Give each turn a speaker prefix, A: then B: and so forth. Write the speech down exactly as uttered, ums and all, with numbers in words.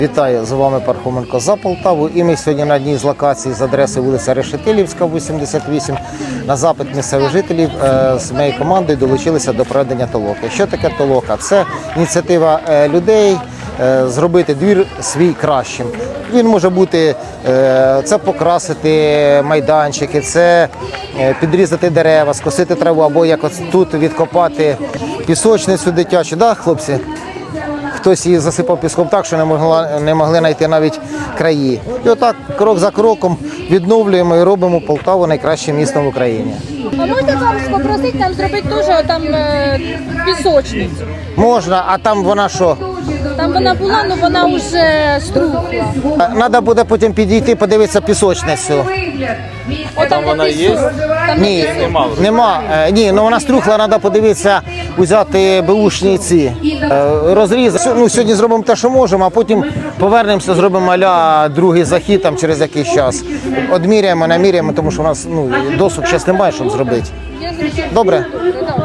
A: Вітаю, з вами Пархоменко за Полтаву. І ми сьогодні на одній з локацій з адреси вулиця Решетилівська, вісімдесят вісім. На запит місцевих жителів з моєю командою долучилися до проведення толоки. Що таке толока? Це ініціатива людей зробити двір свій кращим. Він може бути, це покрасити майданчики, це підрізати дерева, скосити траву, або як от тут відкопати пісочницю дитячу. Да, хлопці? Хтось її засипав піском так, що не могла, не могли знайти навіть краї. І отак, крок за кроком, відновлюємо і робимо Полтаву найкращим містом в Україні.
B: А можна вам попросити нам зробити теж там е, пісочницю?
A: Можна, а там вона що?
B: Там вона була, але вона вже струхла.
A: Треба буде потім підійти, подивитися пісочницю.
B: О, там вона є? Там
A: Ні, нема. Е, Ні, ну вона струхла, треба подивитися, взяти беушні ці е, розрізи. Ну, сьогодні зробимо те, що можемо, а потім повернемося, зробимо а-ля другий захід там, через якийсь час. Одміряємо, наміряємо, тому що у нас ну, досуг зараз немає, щоб зробити. Добре?